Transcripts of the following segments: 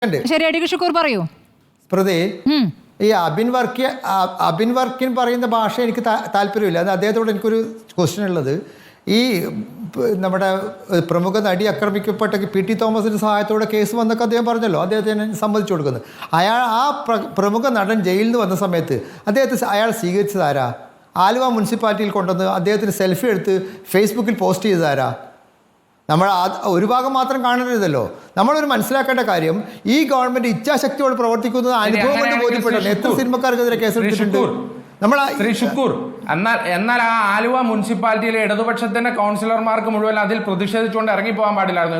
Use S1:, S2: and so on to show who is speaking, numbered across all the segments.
S1: ശരി, അഡ്വക്കേറ്റ് ഷുക്കൂർ പറയൂ.
S2: സ്മൃതി, ഈ അബിൻ വർക്കിൻ പറയുന്ന ഭാഷ എനിക്ക് താല്പര്യമില്ല. അത് അദ്ദേഹത്തോട് എനിക്കൊരു ക്വസ്റ്റ്യൻ ഉള്ളത്, ഈ നമ്മുടെ പ്രമുഖ നടി ആക്രമിക്കപ്പെട്ട പി.ടി. തോമസിൻ്റെ സഹായത്തോടെ കേസ് വന്നൊക്കെ അദ്ദേഹം പറഞ്ഞല്ലോ, അദ്ദേഹത്തിന് സമ്മതിച്ചു കൊടുക്കുന്നത്. പ്രമുഖ നടൻ ജയിലിൽ നിന്ന് വന്ന സമയത്ത് അയാൾ സ്വീകരിച്ചതാരാ? ആലുവ മുനിസിപ്പാലിറ്റിയിൽ കൊണ്ടുവന്ന് അദ്ദേഹത്തിന് സെൽഫി എടുത്ത് ഫേസ്ബുക്കിൽ പോസ്റ്റ് ചെയ്തതാരാ? നമ്മൾ ഒരു ഭാഗം മാത്രം കാണരുതല്ലോ. നമ്മളൊരു മനസ്സിലാക്കേണ്ട കാര്യം, ഈ ഗവൺമെന്റ് ഇച്ഛാശക്തിയോട് പ്രവർത്തിക്കുന്നത് അനുഭവം കൊണ്ട് ബോധ്യപ്പെട്ടു. എത്ര സിനിമക്കാർക്കെതിരെ കേസെടുത്തിട്ടുണ്ട് നമ്മൾ.
S3: ശ്രീ ഷുക്കൂർ, എന്നാൽ ആ ആലുവ മുനിസിപ്പാലിറ്റിയിലെ ഇടതുപക്ഷത്തിന്റെ കൗൺസിലർമാർക്ക് മുഴുവൻ അതിൽ പ്രതിഷേധിച്ചുകൊണ്ട് ഇറങ്ങിപ്പോകാൻ പാടില്ലായിരുന്നു.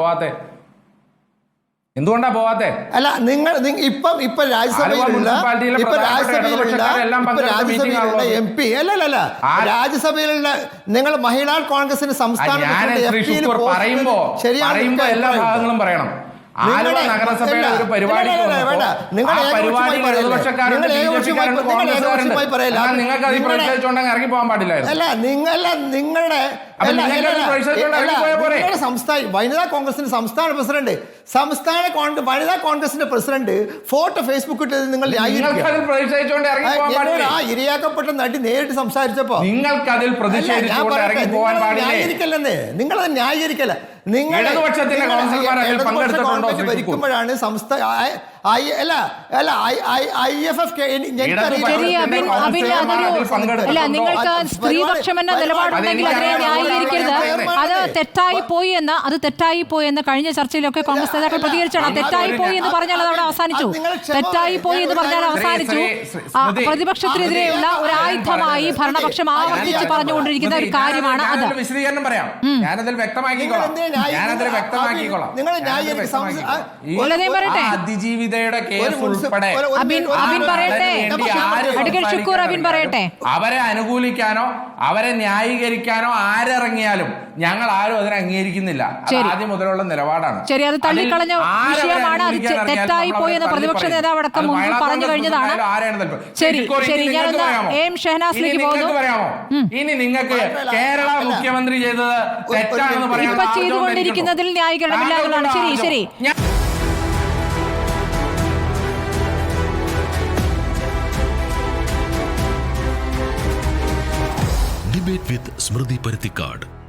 S3: എന്തുകൊണ്ടാ പോവാത്തെ?
S2: അല്ല, നിങ്ങൾ ഇപ്പൊ രാജ്യസഭയിലുള്ള MP അല്ല രാജ്യസഭയിലുള്ള നിങ്ങൾ മഹിളാ കോൺഗ്രസിന്റെ സംസ്ഥാന
S3: പറയുമ്പോ എല്ലാ ഭാഗങ്ങളും പറയണം. ആലുവ നഗരസഭയുടെ ഒരു പരിപാടി നിങ്ങൾക്ക് അതിൽ പ്രതിഷേധിച്ചുകൊണ്ടെങ്കിൽ ഇറങ്ങി പോകാൻ പാടില്ലായിരുന്നു.
S2: അല്ല, നിങ്ങളുടെ വനിതാ കോൺഗ്രസിന്റെ സംസ്ഥാന പ്രസിഡന്റ് വനിതാ കോൺഗ്രസിന്റെ പ്രസിഡന്റ് ഫോട്ടോ ഫേസ്ബുക്ക് ഇട്ടത് നിങ്ങൾ ഇരയാക്കപ്പെട്ട നടി നേരിട്ട് സംസാരിച്ചപ്പോ
S3: നിങ്ങൾക്കതിൽ
S2: ന്യായീകരിക്കല്ലെന്നേ, നിങ്ങളത് ന്യായീകരിക്കല്ല. നിങ്ങൾ ഭരിക്കുമ്പോഴാണ്
S1: നിങ്ങൾക്ക് സ്ത്രീപക്ഷം എന്ന നിലപാടുണ്ടെങ്കിൽ അതിനെ ന്യായീകരിക്കരുത്. അത് തെറ്റായി പോയി എന്ന് കഴിഞ്ഞ ചർച്ചയിലൊക്കെ കോൺഗ്രസ് നേതാക്കൾ പ്രതികരിച്ചാണ്. തെറ്റായി പോയി എന്ന് പറഞ്ഞാൽ അത് അവിടെ അവസാനിച്ചു. തെറ്റായി പോയി എന്ന് പറഞ്ഞാൽ അവസാനിച്ചു. പ്രതിപക്ഷത്തിനെതിരെയുള്ള ഒരു ആയുധമായി ഭരണപക്ഷം ആവർത്തിച്ച് പറഞ്ഞുകൊണ്ടിരിക്കുന്ന ഒരു കാര്യമാണ് അത്.
S3: വിശദീകരണം പറയാം, ഞാനതിൽ വ്യക്തമാക്കിക്കോളാം. അതിജീവിതയുടെ കേസ് ഉൾപ്പെടെ അവരെ അനുകൂലിക്കാനോ അവരെ ന്യായീകരിക്കാനോ ആരിറങ്ങിയാലും ഞങ്ങൾ ആരും അതിനെ അംഗീകരിക്കുന്നില്ല. ആദ്യം മുതലുള്ള നിലപാടാണ്.
S1: ശരി, അത് തള്ളിക്കളഞ്ഞ വിഷയമാണ്. അത് തെറ്റായി പോയി എന്ന് പ്രതിപക്ഷ നേതാവ് അടക്കം മുമ്പ് പറഞ്ഞു കഴിഞ്ഞതാണ്. ശരി, ഞാനൊന്ന് എം ഷഹനാസിലേക്ക് പോകുന്നു.
S3: ഇനി നിങ്ങൾക്ക് കേരള മുഖ്യമന്ത്രി ചെയ്തത് തെറ്റാണെന്ന് പറയാൻ
S1: ഇപ്പൊ ചെയ്തുകൊണ്ടിരിക്കുന്നതിൽ ന്യായീകരണമില്ല എന്നുള്ളതാണ്. ശരി.
S4: Debate with Smriti Parthikad.